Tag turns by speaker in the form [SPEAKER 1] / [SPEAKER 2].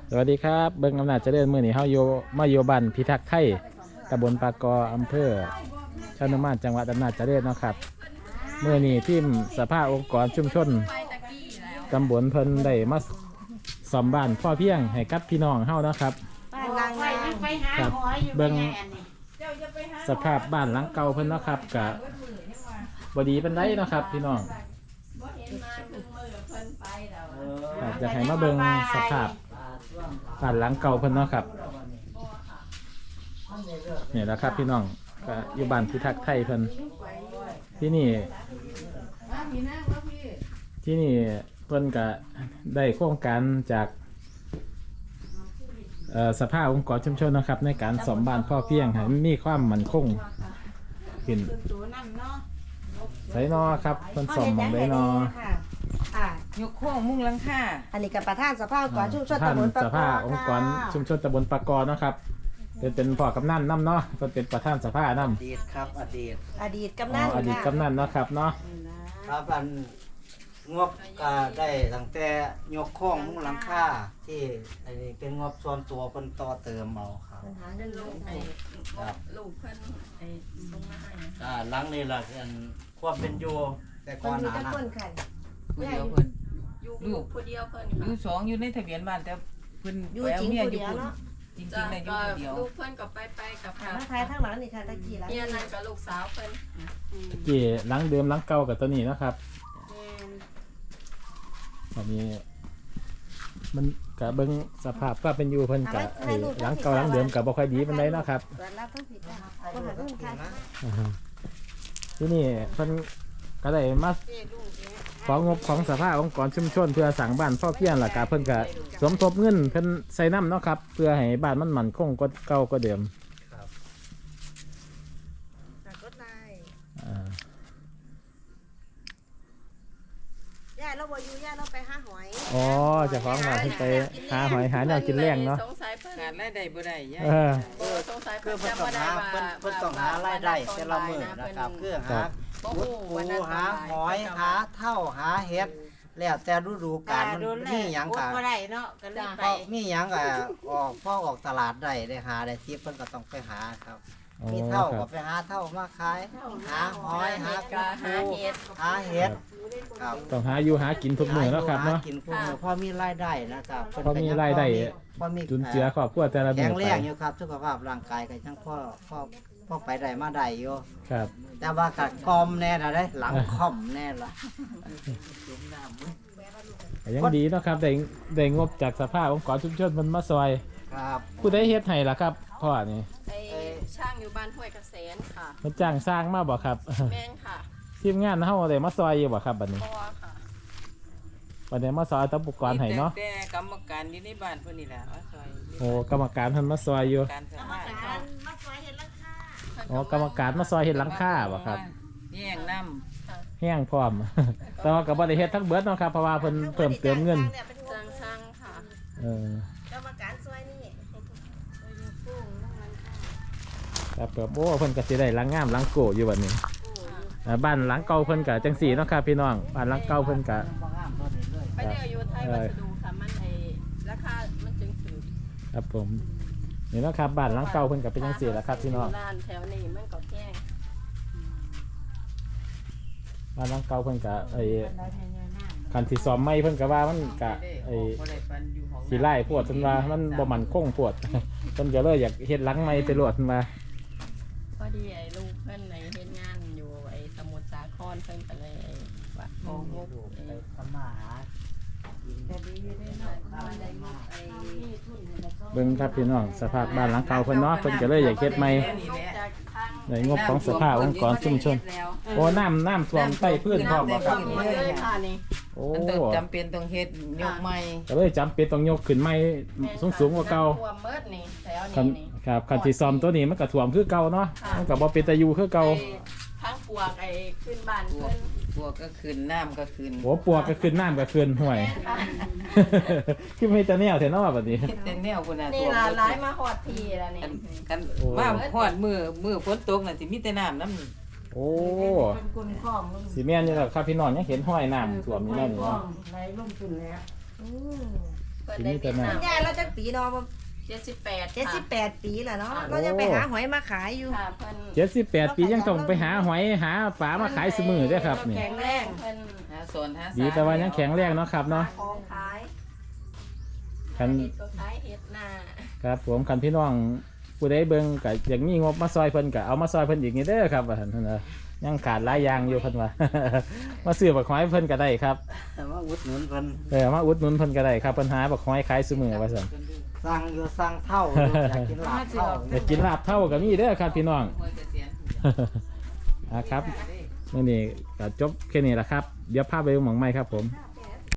[SPEAKER 1] สวัสดีครับเบิ้งอำนาจเจริญมื้อนี้เฮาอยู่มาอยู่บ้านพิทักษ์ไทยตำบลปากออำเภอชะนุมานจังหวัดอำนาจเจริญเนาะครับมื้อนี้ทีมสภาองค์กรชุมชนตำบลเพิ่นได้มาซ่อมบ้านพ่อเพียงให้กับพี่น้องเฮาเนาะครับครับเบิ้งสภาพบ้านหลังเก่าเพิ่นเนาะครับก็บ่ดีปานใดเนาะครับพี่น้องอยากให้มาเบิ่งสภาพบ้านหลังเก่าเพิ่นเนาะครับเนี่ยแหละครับพี่น้องก็อยู่บ้านพิทักษ์ไทยเพิ่นที่นี่เพิ่นก็ได้โครงการจากสภาองค์กรชุมชนนะครับในการซ่อมบ้านพ่อเพียงให้มีความมั่นคงขึ้นไสนอครับเพิ่นซ่อมหม้องใดน
[SPEAKER 2] อยกโค้งมุ่งหลังคา
[SPEAKER 3] อันนี้กับประธานสภาองค์กรชุมชนตำบลปาก
[SPEAKER 1] สภาองค์กรชุมชนตำบลปากอนะครับเป็นพ่อกำนันน้ำเนาะเป็นประธานสภาน้ำ
[SPEAKER 4] อดีตครับอดีต
[SPEAKER 3] กำนัน
[SPEAKER 1] อดีตกำนันเนาะครับเนาะ
[SPEAKER 4] ครับอันงบก็ได้ตั้งแต่ยกโค้งมุ้งหลังคาที่อันนี้เป็นงบส่วนตัวเพิ่นต่อเติมเอาครับครับ
[SPEAKER 2] ลูกเพิ่นส่งมาให้
[SPEAKER 4] หลังนี้ล่ะอันความเป็นอยู่แต่ก่อนหน้านั้น
[SPEAKER 2] ผู้เดียวเพิ่นลูกผู้เดียวเพิ่นอยู่สองอยู่ในทะเบียนบ้านแต่เพิ่นไปเอาเมียอยู่พุ่นจริงๆได้อยู่ผู้เดียว
[SPEAKER 5] ลูกเพิ่นก็ไปกับค่ะ
[SPEAKER 3] มาทายทั้งหลังนี่ค่ะตะกี้แล้ว
[SPEAKER 5] เนี่ยนั่นกับลูกสาวเพิ่น
[SPEAKER 1] กี่หลังเดิมหลังเก่ากับตัวนี้นะครับตอนนี้มันกับเบิ้งสภาพก็เป็นอยู่เพิ่นกับหลังเก่าหลังเดิมกับบ่ค่อยดีปานใดเนาะครับที่นี่เพิ่นก็ได้มาของงบของสภาองค์กรชุมชนเพื่อสั่งบ้านพ่อเพียงล่ะครับเพิ่นก็สมทบเงินเพิ่นใส่น้ำเนาะครับเพื่อให้บ้านมันมั่นคงกว่าเก่ากว่าเดิม
[SPEAKER 3] ย่าเราบ่อยู่ย่าเราไปหาหอย
[SPEAKER 1] อ๋อเจ้าของว่าเพิ่นไปหาหอยหาแนวกินแรงเนาะ
[SPEAKER 5] สงสัยเพิ่น
[SPEAKER 2] งานรายได้บ่ได้ย่า
[SPEAKER 5] สงสัย
[SPEAKER 4] คื
[SPEAKER 5] เพิ่
[SPEAKER 4] อน เพิ่น
[SPEAKER 5] จำ
[SPEAKER 4] ต้
[SPEAKER 5] บ่
[SPEAKER 4] อง
[SPEAKER 5] ได้ว่า
[SPEAKER 4] หาเพิ่นต้องหารายได้แต่ละมื้อนะครับคือหาปูหาหอยหาเท่าหาเห็ดแล้วแต่ฤดูกาลมันมีหยังก็
[SPEAKER 3] บ่ได้เนาะก็เลยไป
[SPEAKER 4] มีหยังก็ออกตลาดได้หาได้ที่เพิ่นก็ต้องไปหาครับมีเท่าก็ไปหาเท่ามาขายหาหอยหาปูหาเห็ดครับ
[SPEAKER 1] ต้องหาอยู่หากินทุกมื้อเนาะครับเนาะ
[SPEAKER 4] กินพวกพอมีรายได้นะครับ
[SPEAKER 1] พอมีรายได้
[SPEAKER 4] พอมี
[SPEAKER 1] จุนเจือครอบครัวแต่ละมื้
[SPEAKER 4] แข็
[SPEAKER 1] อง ไป
[SPEAKER 4] แรงอยู่ครับสุขภาพร่างกายก็ยังพอไปได้มาได้อยู่
[SPEAKER 1] ครับ
[SPEAKER 4] แต่ว่าก็กอมแน่ละได้หลังค่อมแน่ละ
[SPEAKER 1] ยังดีเนาะครับได้งบจากสภาองค์กรชุมชนมันมาซอย
[SPEAKER 4] ครับ
[SPEAKER 1] ผู้ใดเฮ็ดให้ล่ะครับพ่อนี่
[SPEAKER 5] ไอ้ช่างอยู่บ้านห้วยเกษมค่ะ
[SPEAKER 1] มันจ้างสร้างมาบ่ครับ
[SPEAKER 5] แม่งค่ะ
[SPEAKER 1] ทีมงานเฮาได้มาซอยอยู่บ่ครับบัดนี้
[SPEAKER 5] พ่อค่ะ
[SPEAKER 1] บัดนี้มาซอยตะปุกรให้เนาะ
[SPEAKER 2] แต่กรรมการอยู่ในบ้านเพิ่นนี่แหละว่าซอย
[SPEAKER 1] โอ้กรรมการเพิ่นมาซอยอยู่
[SPEAKER 2] การสภา
[SPEAKER 3] มาสวยเห็นราคา
[SPEAKER 1] อ๋อกรรมการมาซอยเฮ็ดหลังคาบ่ครับ
[SPEAKER 2] แย่งน้ำ
[SPEAKER 1] แห้งพร้อม แต่ว่าก็บ่ได้เฮ็ดทั้งเบิดเนาะครับเพราะว่าเพิ่นเพิ่มเติมเงิน
[SPEAKER 5] จ้างช่างค่ะ
[SPEAKER 3] กรรมการสวยนี่
[SPEAKER 1] ครับครับโอ้เพิ่นก็สิได้หลังงามหลังโกอยู่บัดนี้บ้านหลังเก่าเพิ่นก็จังซี่เนาะครับพี่น้องบ้านหลังเก่าเพิ่นก็
[SPEAKER 5] ไปเดี๋ยวอยู่ไทยวัสดุค่ะมันไอ้ราคามันจึงถือ
[SPEAKER 1] ครับผมนี่เนาะครับบ้านหลังเก่าเพิ่นก็เป็นจังซี่แหละครับพี่น้อง
[SPEAKER 5] ร้านแถวนี้มันก็แพง
[SPEAKER 1] บ้านหลังเก่าเพิ่นก็คันที่ซ่อมใหม่เพิ่นก็ว่ามันก็สิไล่พวดเพิ่นว่ามันบ่มั่นคงพวด เพิ่นก็เลยอยากเฮ็ดหลังใหม่ไปโลดเพิ่นว่า
[SPEAKER 5] พอดีไอ้ลูกเพิ่นในเฮ็ดงานอยู่ไอ้สมุทรสาครเพิ่นก็เลยว่าโอ้โห
[SPEAKER 4] ไปทำมาหากิน
[SPEAKER 1] เบิ่งครับพี่น้องสภาพบ้านหลังเก่าเพิ่นเนาะเพิ่นก็เลยอยากเฮ็ดใหม่ในงบของสภาองค์กรชุมชนโอ้น้ำท่วมใต้พื้นพร้อมบ่ครับ
[SPEAKER 5] เลยค่ะนี่
[SPEAKER 1] โอ้
[SPEAKER 2] มันต้องจำเป็นต้องเฮ็ดยกใหม่
[SPEAKER 1] ก็เลยจำเป็นต้องยกขึ้นใหม่สูงกว่าเก่า
[SPEAKER 5] ท่วมเมิดนี่แถว
[SPEAKER 1] คัน
[SPEAKER 5] นี้นี่
[SPEAKER 1] ครับคันที่ซ่อมตัวนี้มันก็ท่วมคือเก่าเนาะมันก็บ่เป็นตาอยู่คือเก่า
[SPEAKER 5] ทั้งปวกไอ้ขึ้นบ้านขึ้น
[SPEAKER 2] พวกก็ขึ้นน้ำก็ขึ้น
[SPEAKER 1] โอ้ปวกก็ขึ้นน้ำก็ขึ้นห่วย คือไม่แต่แนวแท้เนาะบัดนี้
[SPEAKER 2] แต่แนวคนน่ะ
[SPEAKER 5] นี่ล่ะหลายมาฮอดทีแล้วนี่
[SPEAKER 2] กันว่าฮอดมือฝนตกน่ะสิมีแต่น้ำน้ำ
[SPEAKER 1] โอ้สีแม่นอยู่แล้วครับพี่น้องยังเห็นห้อยน้ำท่วมอยู่นั่นนี่เนาะ
[SPEAKER 5] เพิ่นได้เวียดนาม
[SPEAKER 3] ยายเราจักปีเนาะ
[SPEAKER 5] 78
[SPEAKER 3] 78 ปีแล้วเนาะเราจะไปหาหอยมาขายอยู่
[SPEAKER 5] ค่ะเพิ่น
[SPEAKER 1] 78 ปียังต้องไปหาหอยหาปลามาขายเสมอเด้อครับนี่
[SPEAKER 3] แข็งแรง
[SPEAKER 5] เพิ่น
[SPEAKER 2] หาสอนหาสา
[SPEAKER 1] ดีแต่ว่ายังแข็งแรงเนาะครับเนาะ
[SPEAKER 3] ของขาย
[SPEAKER 1] คัน
[SPEAKER 5] เฮ็ดก็ขายเฮ็ดหน้า
[SPEAKER 1] ครับผมคันพี่น้องผู้ใดเบิ่งก็อยากมีงบมาซอยเพิ่นก็เอามาซอยเพิ่นอีกนี่เด้อครับว่าซั่นเนาะยังขาดหลายอย่างอยู่เพิ่นว่า มาซื้อบักหอยเพิ่นก็ได้ครับ
[SPEAKER 4] แต่ว่าอุดหนุนเพิ่น
[SPEAKER 1] มาอุดหนุนเพิ่นก็ได้ครับเพิ่นหาบักหอยขายซุมื้อว่าซั่น
[SPEAKER 4] สั่งอยู่สั่งเท่าอยู่อยากกินลาบเท่า
[SPEAKER 1] อยากกินลาบเท่าก็มีเด้อครับพี่น้อง
[SPEAKER 2] หัวเกษียณ
[SPEAKER 1] ครับมื้อนี้ก็จบแค่นี้ล่ะครับเดี๋ยวพาไปดูหม่องใหม่ครับผม
[SPEAKER 3] ค่ะ